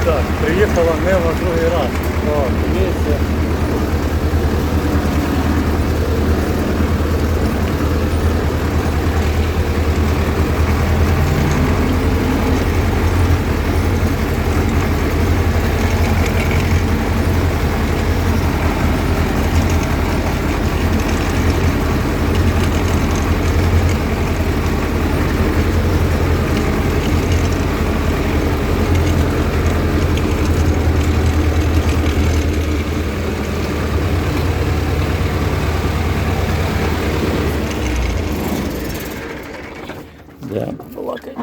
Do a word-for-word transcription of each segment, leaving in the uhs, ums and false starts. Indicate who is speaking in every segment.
Speaker 1: Так, приїхала Нива другий раз. О, дивіться. Да, балакай.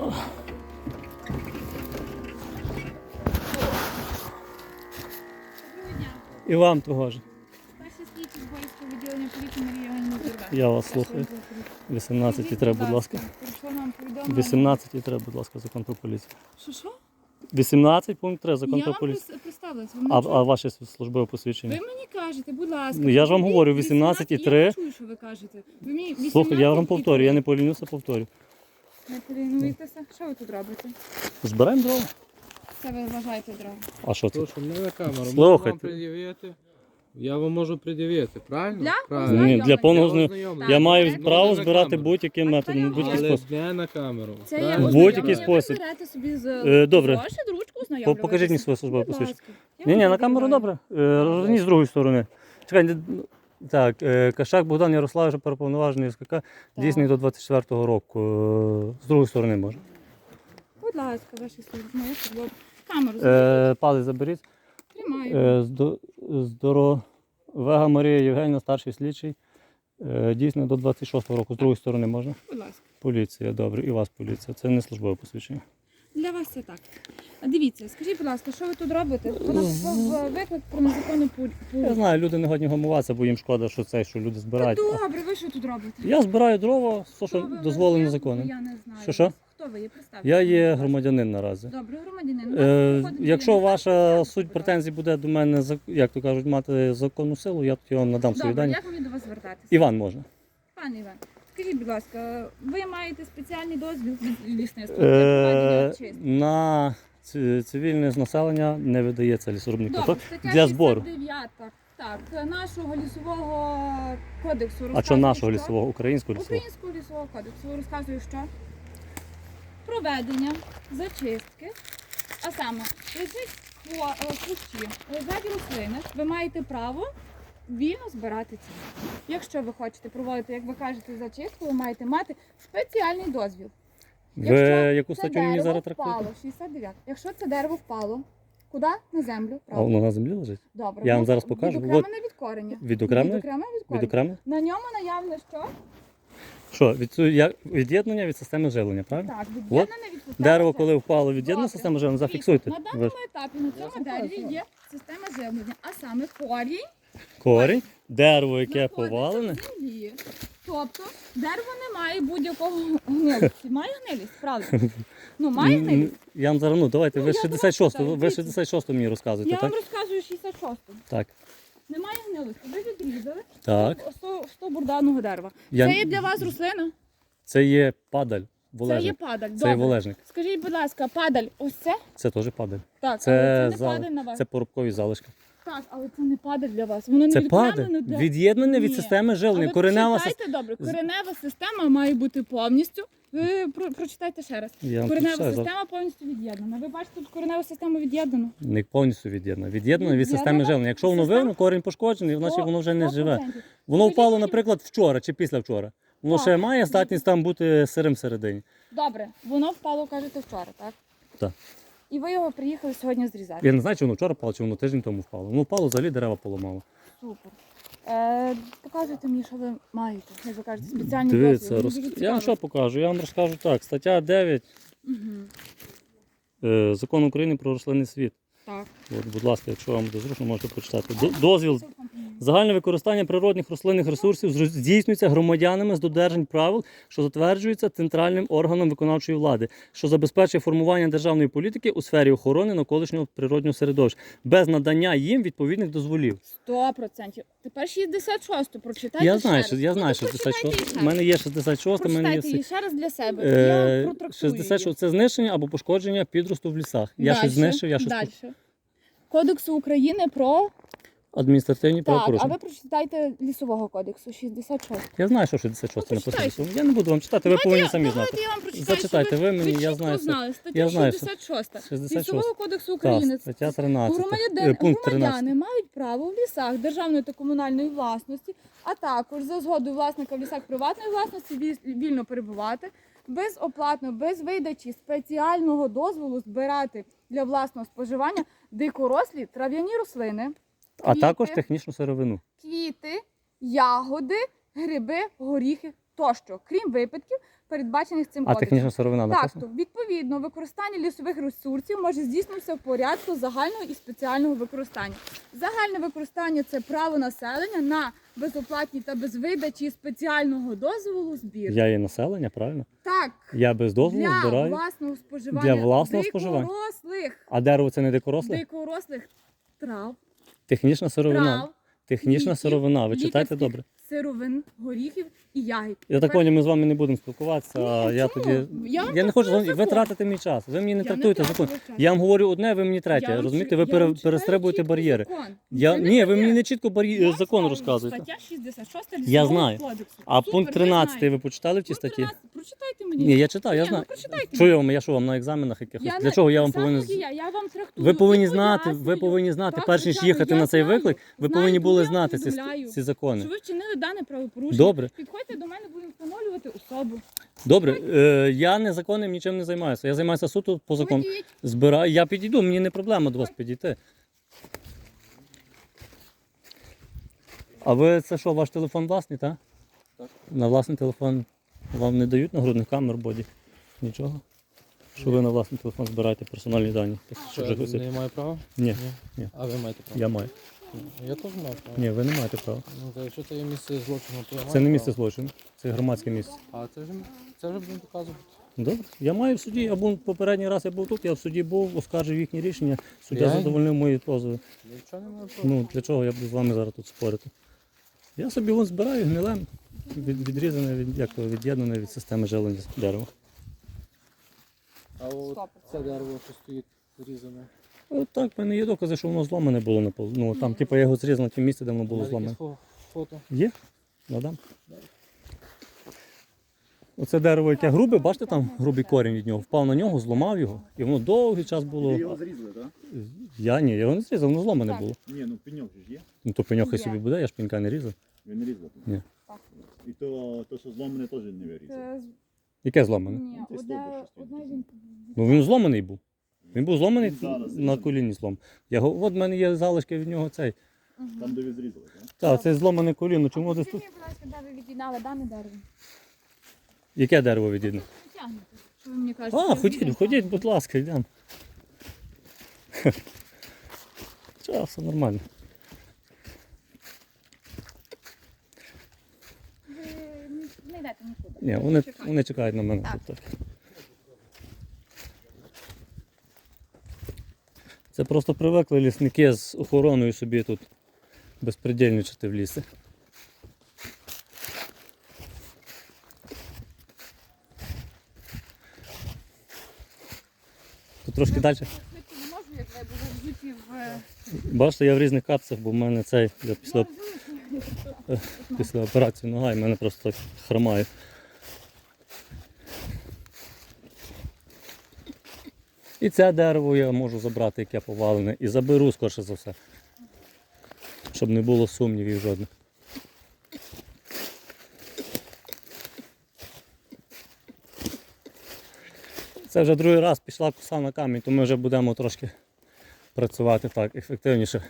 Speaker 1: І вам того ж.
Speaker 2: Перший слідчий Зборівського відділення поліції Марія Іванівна Зірве.
Speaker 1: Я вас слухаю. вісімнадцять треба, будь ласка. вісімнадцять треба, будь ласка, закон про поліцію.
Speaker 2: Що, що?
Speaker 1: вісімнадцять пункт три, закон
Speaker 2: Я
Speaker 1: про
Speaker 2: вам
Speaker 1: поліцію.
Speaker 2: представилась.
Speaker 1: А, а ваше службове посвідчення?
Speaker 2: Ви мені кажете, будь ласка.
Speaker 1: Ну, я ж вам
Speaker 2: ви-
Speaker 1: говорю, вісімнадцять і три.
Speaker 2: Я не чую, що ви кажете. Ви мені
Speaker 1: Слухай, я вам
Speaker 2: вісімнадцять і
Speaker 1: повторю, я
Speaker 2: три.
Speaker 1: не полінюся, повторю.
Speaker 2: Не полінуєтеся? Що ви тут робите?
Speaker 1: Збираємо дрова.
Speaker 2: Це ви вважаєте дрова?
Speaker 1: А що це?
Speaker 3: То, що не на камеру, можу
Speaker 1: Слухайте.
Speaker 3: вам пред'явити. Я вам можу пред'явити, правильно?
Speaker 2: Для
Speaker 3: Правильно.
Speaker 1: Ні, для повного зна...
Speaker 3: ознайомлення.
Speaker 1: Я
Speaker 2: Так,
Speaker 1: маю
Speaker 2: так.
Speaker 1: право
Speaker 3: Можна на
Speaker 1: збирати
Speaker 3: камеру.
Speaker 1: будь-яким
Speaker 2: А
Speaker 1: методом,
Speaker 2: це
Speaker 1: будь-який
Speaker 3: Але
Speaker 1: спосіб.
Speaker 3: не на камеру.
Speaker 2: Це є
Speaker 3: правильно?
Speaker 1: будь-який
Speaker 2: ознайомлення.
Speaker 1: спосіб.
Speaker 2: Ви берете собі з
Speaker 1: Е, добре.
Speaker 2: Вашу ручку ознайомлюватися.
Speaker 1: Покажіть мені своє службове
Speaker 2: Будь
Speaker 1: посвідчення.
Speaker 2: ласка. Я
Speaker 1: Ні, ні,
Speaker 2: вам
Speaker 1: на камеру
Speaker 2: відбираю.
Speaker 1: добре. Е, Розверніть з другої сторони. Чекай, не- так, е, Кашак Богдан Ярославович, переповноважений СКК, дійсний до двадцять четвертого року. Е, З другої сторони можна.
Speaker 2: Будь ласка, ваші служби. Моя служба. Камеру
Speaker 1: Е, Палець заберіть.
Speaker 2: тримаю.
Speaker 1: Е, здо- Здоровега Марія Євгенівна, старший слідчий. Е, Дійсно до двадцять шостого року. З другої сторони можна.
Speaker 2: Будь ласка.
Speaker 1: Поліція, добре. І у вас поліція. Це не службове посвідчення.
Speaker 2: Для вас це так. А дивіться, скажіть, будь ласка, що ви тут робите? Вона в- виклик про незаконну пу-
Speaker 1: Я
Speaker 2: пу-
Speaker 1: знаю, люди не годні гамуватися, бо їм шкода, що це, що люди
Speaker 2: Та
Speaker 1: збирають.
Speaker 2: добре, ви що тут робите?
Speaker 1: Я збираю дрова, все,
Speaker 2: Хто
Speaker 1: що
Speaker 2: ви?
Speaker 1: дозволено
Speaker 2: Я-
Speaker 1: законом.
Speaker 2: Я не знаю.
Speaker 1: Що, що?
Speaker 2: вас. Хто ви є? Представте.
Speaker 1: Я є громадянин наразі.
Speaker 2: Добре, громадянин.
Speaker 1: Е,
Speaker 2: Виходить,
Speaker 1: якщо
Speaker 2: я-
Speaker 1: ваша суть претензій буде до мене, зак- як то кажуть, мати законну силу, я тоді вам надам свої
Speaker 2: Добре,
Speaker 1: дані.
Speaker 2: як мені до вас звертатися?
Speaker 1: Іван можна.
Speaker 2: Пане Іван, скажіть, будь ласка, ви маєте спеціальний дозвіл від лісництва для проведення
Speaker 1: Е,
Speaker 2: очистки?
Speaker 1: на ці- цивільне населення не видається лісорубний
Speaker 2: Добре,
Speaker 1: квиток
Speaker 2: стаття
Speaker 1: для збору.
Speaker 2: шістдесят дев'ята, так, нашого лісового кодексу
Speaker 1: А що
Speaker 2: розказує,
Speaker 1: нашого лісового, українського лісового?
Speaker 2: Українського лісового кодексу розказує, що проведення зачистки, а саме лежить по е, кущі, лежать рослини, ви маєте право вільно збирати ці. Якщо ви хочете проводити, як ви кажете, зачистку, ви маєте мати спеціальний дозвіл.
Speaker 1: Ви яку
Speaker 2: це
Speaker 1: статтю мені
Speaker 2: дерево
Speaker 1: зараз
Speaker 2: впало,
Speaker 1: трактуєте?
Speaker 2: шістдесят дев'ята. Якщо це дерево впало, куди? На землю.
Speaker 1: А
Speaker 2: Правильно.
Speaker 1: воно на землі лежить?
Speaker 2: Добре.
Speaker 1: я вам
Speaker 2: Ну,
Speaker 1: зараз покажу.
Speaker 2: Відокремлене від кореня.
Speaker 1: Відокремлене?
Speaker 2: Відокремлене від кореня.
Speaker 1: Відокремлено?
Speaker 2: На ньому наявне що?
Speaker 1: Що, від, цю- я- від'єднання від системи живлення, правильно?
Speaker 2: Так, від'єднане від системи
Speaker 1: Дерево,
Speaker 2: живлення.
Speaker 1: коли впало, від'єднана
Speaker 2: Добре.
Speaker 1: система живлення, зафіксуйте.
Speaker 2: На
Speaker 1: Ви
Speaker 2: даному
Speaker 1: ж-
Speaker 2: етапі на цьому дереві є система живлення, а саме корінь
Speaker 1: Корінь, дерево, яке
Speaker 2: знаходиться
Speaker 1: повалене.
Speaker 2: в землі. Тобто дерево не має будь-якого гнилості. Має гнилість, правда? Ну, має
Speaker 1: М,
Speaker 2: гнилість.
Speaker 1: Я вам зараз, ну давайте,
Speaker 2: Ну,
Speaker 1: ви
Speaker 2: я
Speaker 1: шістдесят шосту,
Speaker 2: думаю,
Speaker 1: ви
Speaker 2: так,
Speaker 1: шістдесят шосту мені розказуєте,
Speaker 2: Я вам
Speaker 1: так?
Speaker 2: розказую шістдесят шосту.
Speaker 1: Так.
Speaker 2: Немає гнилості. Ви відрізали
Speaker 1: Так.
Speaker 2: сто, сто бурданого дерева.
Speaker 1: Я-
Speaker 2: Це є для вас рослина?
Speaker 1: Це є падаль,
Speaker 2: Це є
Speaker 1: волежник.
Speaker 2: падаль.
Speaker 1: Це є
Speaker 2: Добре.
Speaker 1: волежник.
Speaker 2: Скажіть, будь ласка, падаль ось це?
Speaker 1: Це теж падаль.
Speaker 2: Так,
Speaker 1: Це,
Speaker 2: але це не
Speaker 1: зал-
Speaker 2: падаль на вас.
Speaker 1: це порубкові залишки.
Speaker 2: Так, але це не падаль для вас. Воно не
Speaker 1: Це
Speaker 2: відокремлено
Speaker 1: падаль,
Speaker 2: для-
Speaker 1: від'єднане від
Speaker 2: Ні.
Speaker 1: системи
Speaker 2: А
Speaker 1: живлення.
Speaker 2: ви
Speaker 1: Коренева
Speaker 2: прочитайте
Speaker 1: система.
Speaker 2: добре. Коренева система має бути повністю. Ви про- прочитайте ще раз.
Speaker 1: Я вам
Speaker 2: Коренева
Speaker 1: прочитаю,
Speaker 2: система повністю від'єднана. Ви бачите, тут кореневу систему від'єднану.
Speaker 1: Не повністю від'єднане. Від'єднане від
Speaker 2: Від'єднана
Speaker 1: системи живлення. Якщо воно
Speaker 2: система-
Speaker 1: вивно, корінь пошкоджений, значить воно вже не
Speaker 2: сто
Speaker 1: живе.
Speaker 2: процентів.
Speaker 1: Воно
Speaker 2: Скажіть
Speaker 1: впало,
Speaker 2: мені-
Speaker 1: наприклад, вчора чи післявчора. Воно
Speaker 2: Так.
Speaker 1: ще має здатність там бути сирим всередині.
Speaker 2: Добре, воно впало, кажете, вчора, так?
Speaker 1: Так.
Speaker 2: І ви його приїхали сьогодні зрізати.
Speaker 1: Я не знаю, чи воно вчора впало, чи воно тиждень тому впало. Воно впало, взагалі дерева поламало.
Speaker 2: Супер. Е, показуйте мені, що ви маєте. Як ви кажете, спеціальні
Speaker 1: Дивіться,
Speaker 2: дозвіли.
Speaker 1: роз...
Speaker 2: Мені дуже
Speaker 1: я вам
Speaker 2: цікаво.
Speaker 1: що покажу? Я вам розкажу так. Стаття дев'ять
Speaker 2: Мгм.
Speaker 1: е, Закону України про рослинний світ.
Speaker 2: Так.
Speaker 1: От, будь ласка, якщо вам буде зручно, можете почитати. До- Дозвіл, Загальне використання природних рослинних ресурсів зро- здійснюється громадянами з додержань правил, що затверджуються центральним органом виконавчої влади, що забезпечує формування державної політики у сфері охорони навколишнього природнього середовища, без надання їм відповідних дозволів.
Speaker 2: Сто процентів. Тепер шістдесят шосту прочитайте
Speaker 1: Я
Speaker 2: ще
Speaker 1: знаю,
Speaker 2: раз.
Speaker 1: що я
Speaker 2: Ну,
Speaker 1: знаю,
Speaker 2: то прочитайте
Speaker 1: шістдесят шоста.
Speaker 2: її ще
Speaker 1: У мене є шістдесят шоста, в мене є
Speaker 2: Прочитайте її
Speaker 1: всі.
Speaker 2: ще раз для себе.
Speaker 1: Е,
Speaker 2: Я протрактую
Speaker 1: шістдесят
Speaker 2: її.
Speaker 1: шоста це знищення або пошкодження підросту в лісах. Я щось
Speaker 2: Дальше,
Speaker 1: знищив, я щось
Speaker 2: Дальше. Кодексу України про...
Speaker 1: адміністративні
Speaker 2: Так, а
Speaker 1: правопорушення.
Speaker 2: ви прочитайте лісового кодексу, шістдесят шостий.
Speaker 1: Я знаю, що шістдесят шоста
Speaker 2: Ну,
Speaker 1: написано.
Speaker 2: почитайте.
Speaker 1: Я не буду вам читати, ви
Speaker 2: Давайте
Speaker 1: повинні
Speaker 2: я-
Speaker 1: самі знати.
Speaker 2: Давайте я вам прочитаю,
Speaker 1: Зачитайте
Speaker 2: щоб
Speaker 1: ви мені, я
Speaker 2: чітко
Speaker 1: знаю, що-
Speaker 2: знали. Стаття
Speaker 1: я знаю, що-
Speaker 2: шістдесят шоста.
Speaker 1: шістдесят шоста.
Speaker 2: Лісового кодексу
Speaker 1: Так,
Speaker 2: України.
Speaker 1: стаття тринадцята.
Speaker 2: Громадяни,
Speaker 1: Е, пункт тринадцятий.
Speaker 2: громадяни мають право в лісах державної та комунальної власності, а також за згодою власника в лісах приватної власності віль- вільно перебувати, безоплатно, без видачі спеціального дозволу збирати для власного споживання дикорослі трав'яні рослини,
Speaker 1: А
Speaker 2: квіти.
Speaker 1: також технічну сировину.
Speaker 2: квіти, ягоди, гриби, горіхи тощо, крім випадків, передбачених цим
Speaker 1: А
Speaker 2: кодексом.
Speaker 1: технічна сировина
Speaker 2: Так,
Speaker 1: написана?
Speaker 2: то, відповідно, використання лісових ресурсів може здійснитися в порядку загального і спеціального використання. Загальне використання – це право населення на безоплатні та без видачі спеціального дозволу збір.
Speaker 1: Я є населення, правильно?
Speaker 2: Так,
Speaker 1: Я без дозволу
Speaker 2: для
Speaker 1: збираю.
Speaker 2: власного споживання
Speaker 1: Для власного споживання?
Speaker 2: дикорослих,
Speaker 1: А дерево це не дикоросле?
Speaker 2: дикорослих трав,
Speaker 1: Технічна сировина.
Speaker 2: трав,
Speaker 1: Технічна
Speaker 2: квітів,
Speaker 1: сировина. Ви читайте
Speaker 2: лікарських
Speaker 1: добре.
Speaker 2: сировин, горіхів і ягід.
Speaker 1: Я так
Speaker 2: Тепер-
Speaker 1: поняв, ми з вами не будемо спілкуватися, а
Speaker 2: Ні,
Speaker 1: я
Speaker 2: чому?
Speaker 1: тоді.
Speaker 2: Я вам
Speaker 1: Я не хочу,
Speaker 2: просто
Speaker 1: ви
Speaker 2: закон.
Speaker 1: тратите мій час. Ви мені не
Speaker 2: Я
Speaker 1: трактуєте
Speaker 2: тратила
Speaker 1: закон.
Speaker 2: час.
Speaker 1: Я вам говорю одне, ви мені третє.
Speaker 2: Я вам
Speaker 1: Розумієте,
Speaker 2: чи-
Speaker 1: ви
Speaker 2: я
Speaker 1: пере-
Speaker 2: вам читаю
Speaker 1: перестрибуєте
Speaker 2: чітко
Speaker 1: бар'єри.
Speaker 2: закон.
Speaker 1: Я,
Speaker 2: Це не
Speaker 1: ні, ви мені
Speaker 2: таке.
Speaker 1: не чітко бар'є-
Speaker 2: Я
Speaker 1: закон
Speaker 2: знаю,
Speaker 1: розказуєте.
Speaker 2: Стаття шістдесят шоста
Speaker 1: Я
Speaker 2: Лісового
Speaker 1: знаю.
Speaker 2: кодексу.
Speaker 1: А
Speaker 2: Супер,
Speaker 1: пункт
Speaker 2: ви
Speaker 1: тринадцятий
Speaker 2: знаєте.
Speaker 1: ви почитали в тій
Speaker 2: Пункт
Speaker 1: статті?
Speaker 2: тринадцятий, прочитайте мені.
Speaker 1: Ні, я читав, я
Speaker 2: Ні, ну,
Speaker 1: знаю.
Speaker 2: прочитайте
Speaker 1: Що
Speaker 2: мені.
Speaker 1: я вам, я що вам на екзаменах якихось?
Speaker 2: Я
Speaker 1: Для
Speaker 2: не-
Speaker 1: чого я
Speaker 2: так
Speaker 1: вам
Speaker 2: само,
Speaker 1: повинен.
Speaker 2: як і Я, я вам трактую.
Speaker 1: Ви повинні
Speaker 2: і
Speaker 1: знати, ви
Speaker 2: пояснюю.
Speaker 1: повинні знати,
Speaker 2: Так,
Speaker 1: перш ніж
Speaker 2: звичайно,
Speaker 1: їхати
Speaker 2: я
Speaker 1: на цей
Speaker 2: знаю.
Speaker 1: виклик, ви
Speaker 2: Знаю,
Speaker 1: повинні
Speaker 2: тому
Speaker 1: були
Speaker 2: я вам
Speaker 1: знати ці,
Speaker 2: повідомляю,
Speaker 1: ці закони.
Speaker 2: Що ви вчинили дане правопорушення.
Speaker 1: Добре.
Speaker 2: Підходьте до мене, будемо встановлювати особу.
Speaker 1: Добре, е, я незаконним нічим не займаюся. Я займаюся суто по закону.
Speaker 2: Ходіть.
Speaker 1: Збираю, я підійду, мені не проблема до вас підійти. А ви це що, ваш телефон власний, так?
Speaker 3: Так.
Speaker 1: На власний телефон вам не дають нагрудних камер, боді? Нічого? Що ви на власний телефон збираєте персональні дані? Так,
Speaker 3: Що,
Speaker 1: щоб
Speaker 3: я
Speaker 1: же хтось-
Speaker 3: не маю права?
Speaker 1: Ні, ні.
Speaker 3: А ви маєте право?
Speaker 1: Я маю.
Speaker 3: Я теж маю право.
Speaker 1: Ні, ви не маєте права.
Speaker 3: Ну, та якщо це є місце злочину, то я маю
Speaker 1: Це не
Speaker 3: право.
Speaker 1: місце злочину, це громадське місце.
Speaker 3: А це вже, це вже будемо показувати.
Speaker 1: Добре. Я маю в суді, я був попередній раз я був тут, я в суді був, оскаржив їхні рішення, суддя
Speaker 3: Реально?
Speaker 1: задовольнив мої позови.
Speaker 3: Нічого не маю права.
Speaker 1: Ну, для чого я буду з вами зараз тут спорити? Я собі вон збираю гнилем, від, відрізане, від, як то, від'єднане від системи жилення дерева.
Speaker 3: А от
Speaker 2: Стоп.
Speaker 3: це дерево, що стоїть зрізане.
Speaker 1: От так, в мене є докази, що воно зломане було на пол. Ну, там, типу, я його зрізав на тім місці, де воно було
Speaker 3: Навіть
Speaker 1: зломане.
Speaker 3: якесь фо- Фото.
Speaker 1: Є? Надам. Оце дерево, яке грубе, бачите, там грубий корінь від нього, впав на нього, зламав його, і воно довгий час було.
Speaker 4: Ви його зрізали, так?
Speaker 1: Я ні, я його не зрізав, воно зломане
Speaker 2: Так.
Speaker 1: було.
Speaker 4: Ні, ну пеньок же ж є.
Speaker 1: Ну то пеньохай
Speaker 2: Є.
Speaker 1: собі буде, я ж пенька не різав.
Speaker 4: Ви не різали?
Speaker 1: Ні.
Speaker 4: І то, то що зломане, теж не вирізали.
Speaker 2: Це з-
Speaker 1: Яке зломане?
Speaker 2: ні,
Speaker 4: Це
Speaker 2: одне,
Speaker 4: стовбур, що
Speaker 2: одне
Speaker 4: стоїть.
Speaker 2: він.
Speaker 1: Ну він зломаний був. Він був зломаний
Speaker 4: Він зараз
Speaker 1: на
Speaker 4: зрізаний.
Speaker 1: коліні злом. Я го- от в мене є залишки від нього цей.
Speaker 4: Там, де ви зрізали, так?
Speaker 1: Так, це зломане коліно. Чому десь тут?
Speaker 2: Скажіть, будь ласка, де ви від'єднали дане дерево?
Speaker 1: Яке дерево відійде?
Speaker 2: Тягнете. Що ви мені кажете?
Speaker 1: А,
Speaker 2: Я
Speaker 1: ходіть,
Speaker 2: від'єднала.
Speaker 1: ходіть, будь ласка, йдемо. Чого, все нормально.
Speaker 2: Ви не йдете нікуди.
Speaker 1: Ні, вони,
Speaker 2: Чекайте.
Speaker 1: вони чекають на мене
Speaker 2: Так.
Speaker 1: тут. Так. Це просто привикли лісники з охороною собі тут безпредельничати в лісі. Тут трошки далі.
Speaker 2: Я швидко не можу, як ви були взуті в... е,
Speaker 1: Бачите, я в різних капцях, бо в мене цей я після,
Speaker 2: Я розумію, що
Speaker 1: після операції нога і в мене просто так хромає. І це дерево я можу забрати, яке повалене, і заберу скорше за все. Щоб не було сумнівів жодних. Це вже другий раз пішла коса на камінь, то ми вже будемо трошки працювати так ефективніше.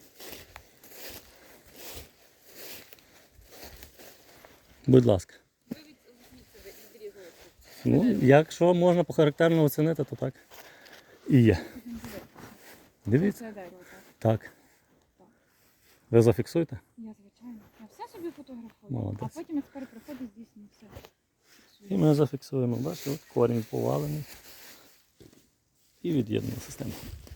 Speaker 1: Будь ласка. Ну, якщо можна похарактерно оцінити, то так. І є. Дивіться.
Speaker 2: Це дерево, так.
Speaker 1: Так. Ви зафіксуєте?
Speaker 2: Я, звичайно. Я все собі фотографую.
Speaker 1: Молодець.
Speaker 2: А потім експерт приходить, здійснює все.
Speaker 1: І ми зафіксуємо. Бачите, от корінь повалений. І від'єднана система.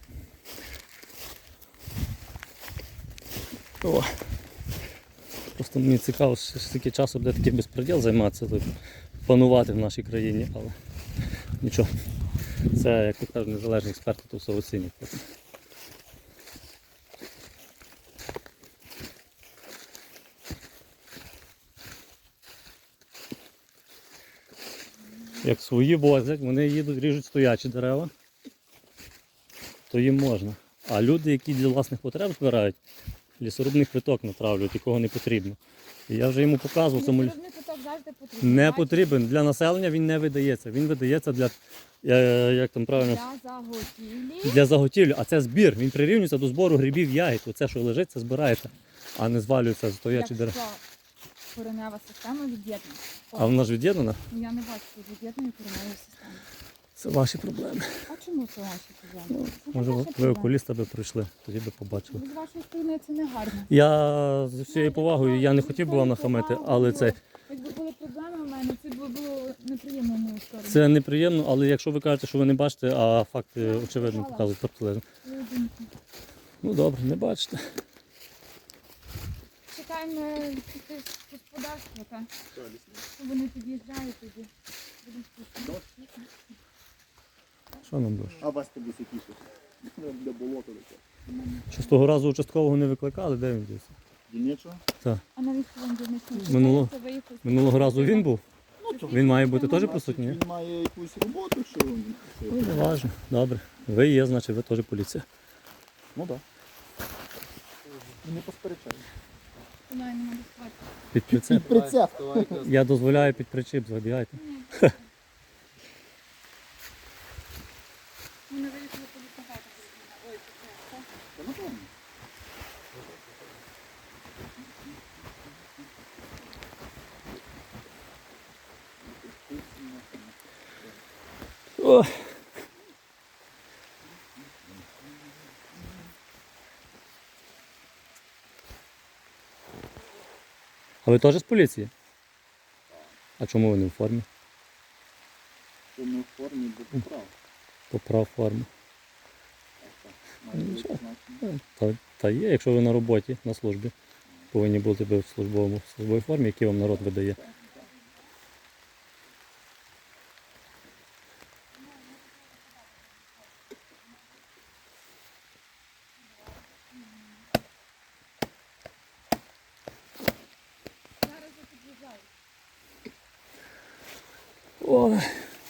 Speaker 1: О. Просто мені цікаво, що скільки часу буде такий безпреділ займатися, тут, панувати в нашій країні, але нічого. Це, як то кажуть, незалежні експерти, то все оцінюють. потім. Як свої возять, вони їдуть, ріжуть стоячі дерева, то їм можна. А люди, які для власних потреб збирають, лісорубний квиток натравлюють, якого не потрібно. І я вже йому показував, цьому лі-
Speaker 2: Лісорубний куток завжди потрібен.
Speaker 1: не
Speaker 2: Бачите?
Speaker 1: потрібен. Для населення він не видається. Він видається для, е, як там правильно,
Speaker 2: Для заготівлі.
Speaker 1: для заготівлі. А це збір. Він прирівнюється до збору грибів, ягід. Оце, що лежить, це збирається, а не звалюється стоячі дерева.
Speaker 2: Якщо коренева система від'єднана.
Speaker 1: А вона ж від'єднана?
Speaker 2: Я не бачу тут від'єднаної кореневої системи.
Speaker 1: Це ваші проблеми.
Speaker 2: А чому це ваші проблеми? Це
Speaker 1: Може,
Speaker 2: ваші
Speaker 1: ви
Speaker 2: проблеми.
Speaker 1: окуліста би прийшли, тоді би побачили.
Speaker 2: З вашої сторони це не гарно.
Speaker 1: Я з всією повагою, я не хотів би вам нахамити, але це,
Speaker 2: Якби були проблеми в мене, це б було неприємно в мою сторону.
Speaker 1: це неприємно, але якщо ви кажете, що ви не бачите, а факти очевидно показують протилежно.
Speaker 2: Свою думку.
Speaker 1: Ну добре, не бачите.
Speaker 2: Чекаємо якесь господарство, так? Вони під'їжджають тоді. Будемо спустити.
Speaker 1: Що нам дуже?
Speaker 4: А у вас тобі які щось? Де болото таке.
Speaker 1: Що з того разу участкового не викликали, де він дівся?
Speaker 4: Дільничого?
Speaker 2: А навіщо вам дільничний?
Speaker 1: Минулого-
Speaker 2: Це ви якось-
Speaker 1: Минулого разу він був?
Speaker 4: Ну, то
Speaker 1: Він має бути теж присутній? ні?
Speaker 4: Він має якусь роботу, що він. що-
Speaker 1: Ну, не важно. Добре. Ви є, значить ви теж поліція.
Speaker 4: Ну так. І не посперечаю.
Speaker 2: Вона не може спати.
Speaker 1: Під прицеп.
Speaker 4: Прицеп.
Speaker 1: Я дозволяю під причіп, забігайте.
Speaker 2: Вони вирішили полікувати. Ой, це так.
Speaker 4: Та напевно.
Speaker 1: О. А ви теж з поліції? А чому ви не в формі?
Speaker 4: Що ми в формі бо поправ.
Speaker 1: Поправ форму.
Speaker 4: Має бути
Speaker 1: Нічого.
Speaker 4: значення.
Speaker 1: Та, та є, якщо ви на роботі, на службі. Повинні бути ви в службовому в службовій формі, які вам народ видає.
Speaker 2: Зараз я під'їжджаю.
Speaker 1: Ой.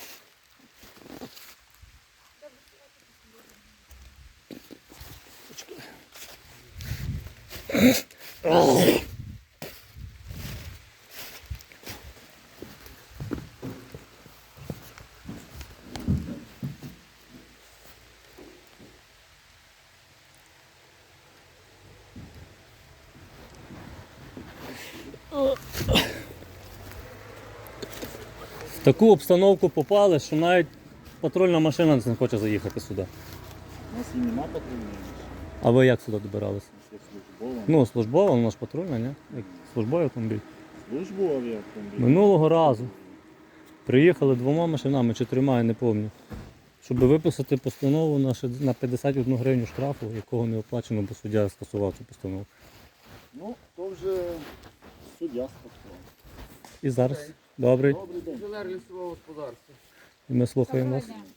Speaker 1: В таку обстановку попали, що навіть патрульна машина не хоче заїхати сюди.
Speaker 4: У нас і нема патрульної.
Speaker 1: А ви як сюди добиралися?
Speaker 4: У нас є службова.
Speaker 1: Ну, службова, вона ж патрульна, ні? Як службовий автомобіль.
Speaker 4: Службові автомобілі.
Speaker 1: Минулого разу приїхали двома машинами чи трьома, я не пам'ятаю, щоб виписати постанову на ши- на п'ятдесят одну гривню штрафу, якого не оплачено, бо суддя скасував цю постанову.
Speaker 4: Ну, то вже суддя спокійно.
Speaker 1: І зараз. Добрий.
Speaker 4: Добрий день.
Speaker 3: Інженер лісового господарства.
Speaker 1: І ми слухаємо вас.
Speaker 2: Доброго дня.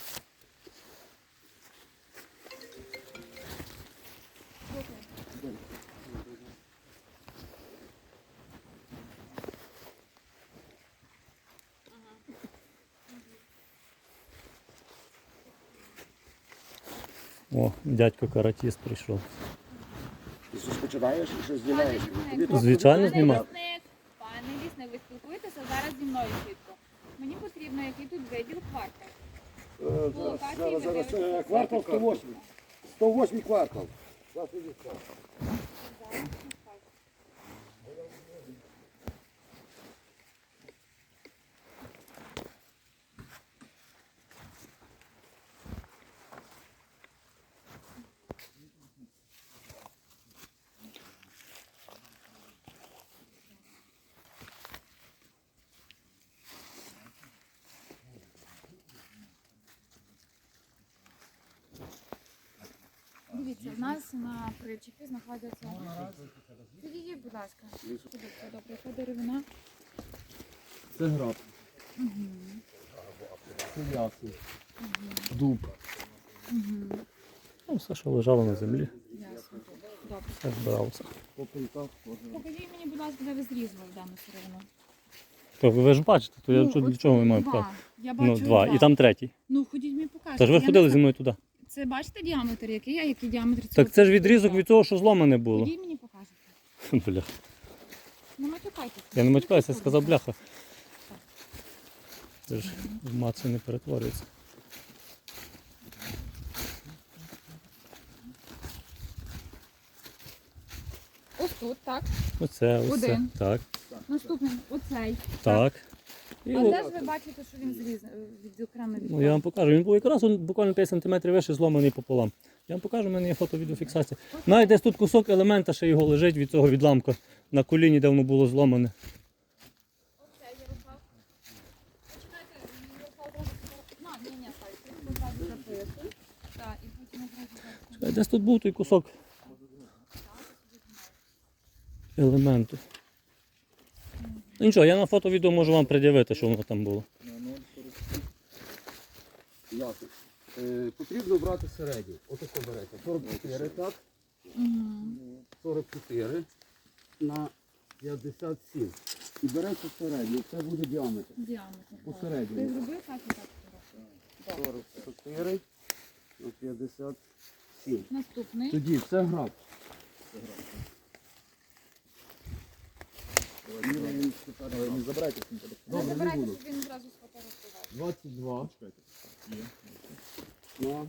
Speaker 1: О, дядько каратіст прийшов.
Speaker 5: Ти щось починаєш і щось знімаєш. Тобі так
Speaker 1: Звичайно,
Speaker 2: Пане
Speaker 1: знімаю.
Speaker 2: лісник, пане лісник, ви спілкуєтеся зараз зі мною чітко. Мені потрібно, який тут виділ квартал.
Speaker 5: Е, Зараз, зараз, зараз, е, квартал сто восьмий. сто восьмий квартал. Зараз іди сюди.
Speaker 2: знаходяться на причепі, знаходяться. Підійдіть, будь ласка. Добре, яка деревина?
Speaker 3: Це граб.
Speaker 2: Угу.
Speaker 3: Це ясень. Дуб.
Speaker 2: Угу.
Speaker 1: Ну, все, що лежало на землі,
Speaker 2: Ясно. Добре.
Speaker 1: все збиралося.
Speaker 3: По пилках теж.
Speaker 2: Покажіть мені, будь ласка, де ви зрізали дану сировину.
Speaker 1: То ви ж бачите, то я
Speaker 2: Ну,
Speaker 1: що- для
Speaker 2: от
Speaker 1: чого ми маємо
Speaker 2: два.
Speaker 1: показати?
Speaker 2: Я бачу
Speaker 1: Ну, два. І там третій.
Speaker 2: Ну, ходіть мені покажете.
Speaker 1: Та ж ви
Speaker 2: Я
Speaker 1: ходили
Speaker 2: не
Speaker 1: зі мною туди.
Speaker 2: Це бачите діаметр який, а який діаметр цього?
Speaker 1: Так це ж
Speaker 2: кусочка?
Speaker 1: відрізок від того, що зломане було.
Speaker 2: Ходіть мені покажете.
Speaker 1: Бля.
Speaker 2: Не матюкайтеся.
Speaker 1: Я не матюкаюся, я сказав бляха. Це ж в мацу не перетворюється.
Speaker 2: Ось тут, так.
Speaker 1: Оце, ось це.
Speaker 2: Один.
Speaker 1: Так,
Speaker 2: Наступний, оцей.
Speaker 1: так. І
Speaker 2: А
Speaker 1: от,
Speaker 2: де ж ви бачите, що він зріз відокремий від
Speaker 1: ну, я вам покажу. Він був якраз он буквально п'ять сантиметрів вище, зломаний пополам. Я вам покажу, в мене є фото-відеофіксація. Навіть десь тут кусок елемента ще його лежить від цього відламка на коліні, де воно було зломане.
Speaker 2: Оцей Ярослав. Почекайте, Ярослав зразу фотографує. На, ні, ні, стойте. Ви зразу записуй. Так, і потім одразу записуй.
Speaker 1: Десь тут був той кусок елементу. Ну, нічого, я на фото-відео можу вам пред'явити, що воно там було.
Speaker 5: Ясно. Е, потрібно брати середню. Отако берете. сорок чотири, так?
Speaker 2: Мгм.
Speaker 5: сорок чотири на п'ятдесят сім. І берете середню. Це буде діаметр.
Speaker 2: Діаметр. так. Ти
Speaker 5: Посередньо.
Speaker 2: зробив так і так фотографію.
Speaker 5: сорок чотири на п'ятдесят сім.
Speaker 2: Наступний.
Speaker 5: Тоді це граб.
Speaker 4: Не забирайте з ним телефон.
Speaker 2: Не
Speaker 5: Добре, не
Speaker 2: забирайте,
Speaker 5: буду.
Speaker 2: щоб він зразу сфотографував.
Speaker 5: двадцять два на,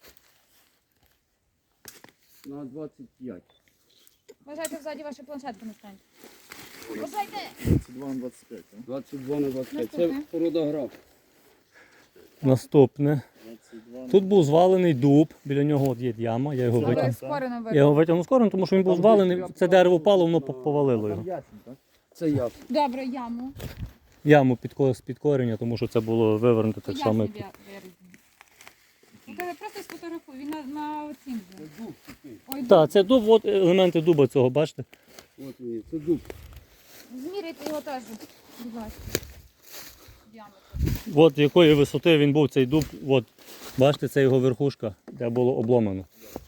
Speaker 5: на двадцять п'ять.
Speaker 2: Бажайте взаді ваші планшетки не станьте. Бажайте!
Speaker 4: двадцять два на двадцять п'ять, так?
Speaker 5: двадцять два на двадцять п'ять. Це
Speaker 2: Наступне.
Speaker 5: порода граб.
Speaker 1: Наступне.
Speaker 4: двадцять два на...
Speaker 1: Тут був звалений дуб, біля нього от є яма, я його
Speaker 2: Ви
Speaker 1: витягнув.
Speaker 2: скоро не
Speaker 1: Я
Speaker 2: вийде.
Speaker 1: його витягнув скоро, тому що він був
Speaker 5: Там
Speaker 1: звалений,
Speaker 5: десь
Speaker 1: це дерево впало, воно
Speaker 5: на-
Speaker 1: повалило його.
Speaker 4: Там ясень, так?
Speaker 5: Це ясно.
Speaker 2: Добре, яму.
Speaker 1: Яму під, ко- з під коріння, тому що це було вивернуто так само. як-
Speaker 2: Ну, ти просто сфотографуй, він на, на оцім же.
Speaker 5: Це дуб такий.
Speaker 2: Ой,
Speaker 1: Так, це дуб, от елементи дуба цього, бачите?
Speaker 5: От він є. Це дуб.
Speaker 2: зміряйте його теж, будь ласка. Діаметр.
Speaker 1: От якої висоти він був цей дуб, от, бачите, це його верхушка, де було обломано.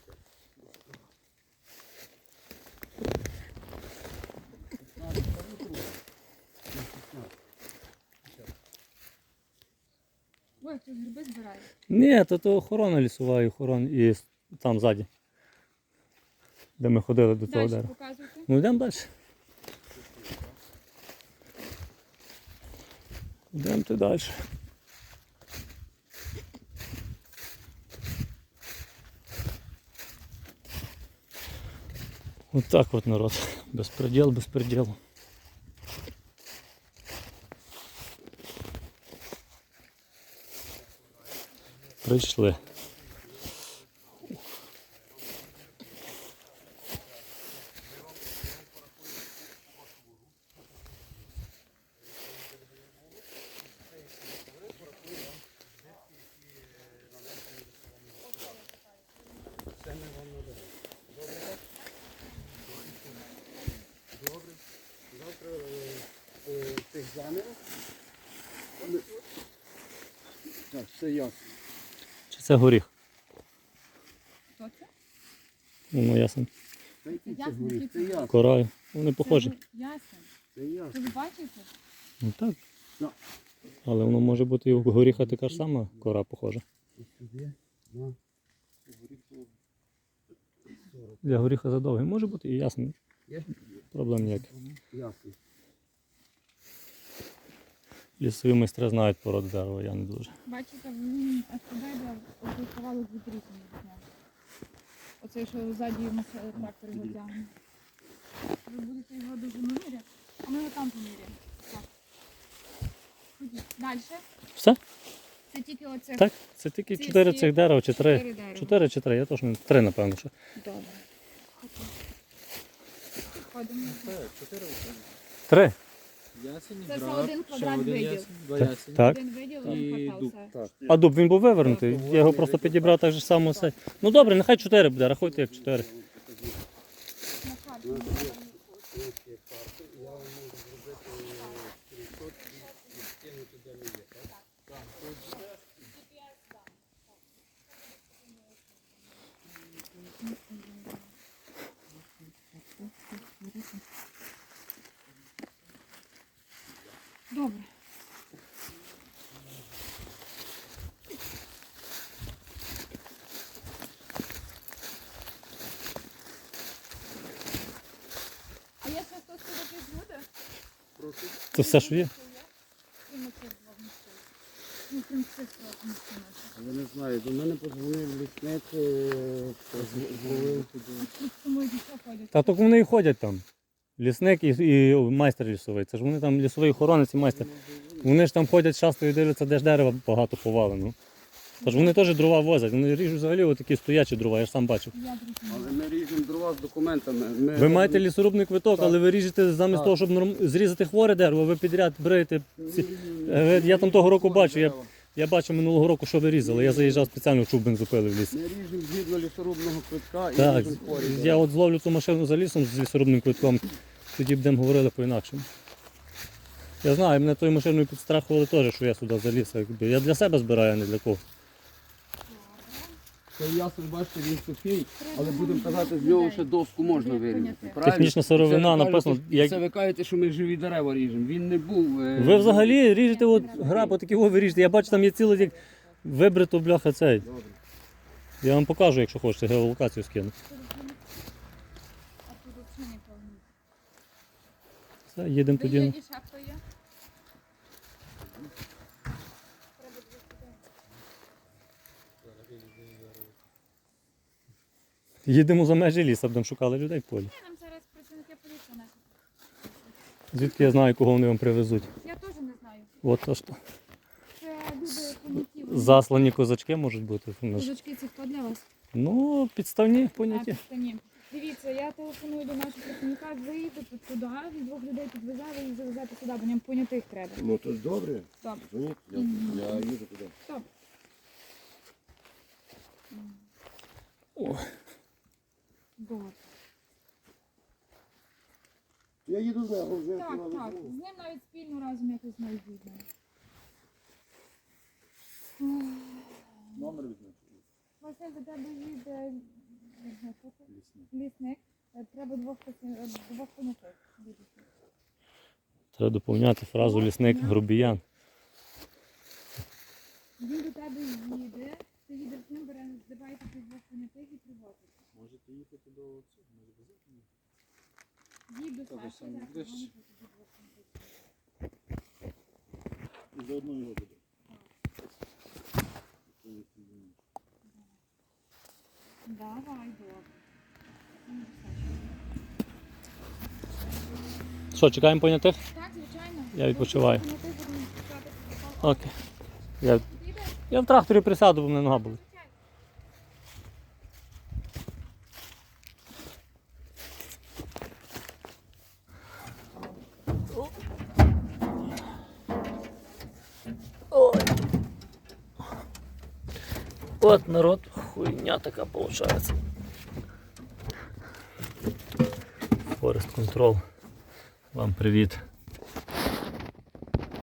Speaker 2: Ой, хтось гриби збирає.
Speaker 1: Ні, то, то охорона лісова і охорона і с- там ззаді, де ми ходили до цього
Speaker 2: Далі
Speaker 1: дерева.
Speaker 2: показуйте.
Speaker 1: Ну йдемо далі. Йдемте далі. От так от народ. Безпреділ, безпреділ. Прийшли.
Speaker 5: Завтра е, е, тих замірів. Ми- Так, все ясно.
Speaker 1: Чи це горіх?
Speaker 2: Хто це?
Speaker 1: Ну, ясно.
Speaker 5: Та який це
Speaker 2: Ясно,
Speaker 5: горіх?
Speaker 2: який
Speaker 5: Це
Speaker 2: це
Speaker 5: ясно.
Speaker 1: Кораю. Вони похожі.
Speaker 2: Це ясен.
Speaker 5: Це ясно.
Speaker 2: Ви бачите?
Speaker 1: Ну так.
Speaker 5: Ну.
Speaker 1: Але воно може бути і у горіха така ж сама кора похожа.
Speaker 5: Сюди, на.
Speaker 1: Для горіха задовгий. Може бути і ясно.
Speaker 5: Є?
Speaker 1: Проблем ніяких.
Speaker 5: Ясно.
Speaker 1: Лісові майстри знають породу дерева, я не дуже.
Speaker 2: Бачите, він астробайда оцей кавалок від різних відняв. Оцей, що ззаді йому ще трактор його тягне. Ви будете його дуже міряти, а ми його там поміряємо. Так. Ходіть. Далі.
Speaker 1: Все?
Speaker 2: Це тільки оце.
Speaker 1: Так? Це тільки
Speaker 2: Ці
Speaker 1: чотири
Speaker 2: всі
Speaker 1: цих дерева чи три.
Speaker 2: чотири дерева.
Speaker 1: Чотири чи три, я точно. Три, напевно. Що.
Speaker 2: Добре. Ходимо.
Speaker 1: Три?
Speaker 3: Ясень,
Speaker 2: Це все
Speaker 3: граб,
Speaker 2: один
Speaker 3: ще
Speaker 2: квадрат
Speaker 3: один
Speaker 2: видів.
Speaker 3: ясень, два
Speaker 1: Так.
Speaker 3: ясені.
Speaker 1: Так.
Speaker 2: Один виділ,
Speaker 3: І
Speaker 2: він хватав
Speaker 3: дуб.
Speaker 2: все.
Speaker 5: Так.
Speaker 1: А дуб він був вивернутий. Я його просто підібрав так же само. Все. Ну добре, нехай чотири буде, рахуйте як чотири.
Speaker 5: У нас є інші карти, і я вам можу зробити скріншот і скинути, де ми є, так?
Speaker 2: Добре. А є ще хтось, хто якийсь буде?
Speaker 5: Прошу.
Speaker 1: Це все, що є?
Speaker 2: Крім цих двох місців. Ну, крім цих двох місців.
Speaker 5: Я не знаю, до мене подзвонив лісник, е, позвонив туди.
Speaker 2: Тому і що ходять?
Speaker 1: Та тільки вони і ходять там. Лісник і, і майстер лісовий. Це ж вони там лісовий охоронець і майстер. Вони ж там ходять часто і дивляться, де ж дерева багато повалено. Тож вони теж дрова возять. Вони ріжуть взагалі отакі стоячі дрова, я ж сам бачив.
Speaker 2: Я зрозуміла.
Speaker 5: Але ми ріжемо дрова з документами. Ми
Speaker 1: Ви маєте лісорубний квиток,
Speaker 5: Так.
Speaker 1: але ви ріжете замість
Speaker 5: Так.
Speaker 1: того, щоб норм- зрізати хворе дерево, ви підряд берете. ці- Е, Я там того року бачу, я, я бачив минулого року, що ви різали. Я заїжджав спеціально, чуб бензопили в ліс.
Speaker 5: Ми ріжемо згідно лісорубного квитка і
Speaker 1: Так,
Speaker 5: ріжемо хворі
Speaker 1: я
Speaker 5: дерева.
Speaker 1: от зловлю цю машину за лісом з лісорубним квитком, тоді будемо говорили по-інакшому. Я знаю, мене тою машиною підстрахували теж, що я сюди заліз. якби. Я для себе збираю, а не для кого.
Speaker 5: Цей ясен, бачите, він сухий, але будемо казати, з нього ще доску можна вирізати. Правильно?
Speaker 1: Технічна сировина,
Speaker 5: Це ви
Speaker 1: написано,
Speaker 5: кажете-
Speaker 1: як-
Speaker 5: Це ви кажете, що ми живі дерева ріжемо. Він не був. е,
Speaker 1: Ви взагалі ріжете от граб, отакі о, ви ріжете. Я бачу, там є цілий як вибрито бляха цей.
Speaker 5: Добре.
Speaker 1: Я вам покажу, якщо хочете, геолокацію скину.
Speaker 2: А тут взагалі нікого немає.
Speaker 1: Все, їдемо
Speaker 2: Ви є
Speaker 1: тоді.
Speaker 2: і ще хто є? Треба двох людей.
Speaker 1: Їдемо за межі ліса, будемо шукали людей в полі.
Speaker 2: Ні, нам зараз працівники поліції несуть.
Speaker 1: Звідки я знаю, кого вони вам привезуть.
Speaker 2: Я теж не знаю.
Speaker 1: От то що.
Speaker 2: Це люди поняті.
Speaker 1: Заслані козачки можуть бути.
Speaker 2: Козачки це хто для вас?
Speaker 1: Ну, підставні
Speaker 2: А,
Speaker 1: поняті.
Speaker 2: підстані. Дивіться, я телефоную до нашого працівника, виїдете туди, від двох людей підвезе, ви їх завезете сюди, бо нам понятих треба.
Speaker 6: Ну то ж добре.
Speaker 2: Добре.
Speaker 6: Дзвоніть, я,
Speaker 2: Мгм.
Speaker 6: я їду туди.
Speaker 2: Добре.
Speaker 1: О.
Speaker 2: Добре.
Speaker 6: Я їду з нього вже.
Speaker 2: Так,
Speaker 6: туди
Speaker 2: так.
Speaker 6: везу.
Speaker 2: З ним навіть спільно разом якось знайдуть.
Speaker 4: Номер візьміть.
Speaker 2: Василь, до тебе їде лісник. Е, Треба двох праці- е, двох понятих.
Speaker 1: Треба доповняти фразу лісник грубіян.
Speaker 2: Він до тебе їде, ти їдеш з ним, бере, здиваєте цих двох понятих і привозить.
Speaker 4: Можете їхати до цього, може без этого?
Speaker 2: Їдь до
Speaker 4: Та,
Speaker 2: Саші,
Speaker 4: саме
Speaker 2: зараз
Speaker 4: ближче.
Speaker 2: вони тут двох понятих.
Speaker 4: І заодно його буде.
Speaker 2: Давай, добре.
Speaker 1: Що, чекаємо понятих?
Speaker 2: Так, звичайно.
Speaker 1: Я відпочиваю.
Speaker 2: Понятих будемо шукати.
Speaker 1: Окей. Я,
Speaker 2: Їде?
Speaker 1: я в тракторі присяду, бо в мене нога була.
Speaker 2: Звичайно.
Speaker 1: Ой. От народ, хуйня така виходить. Форест Контрол. Вам привіт.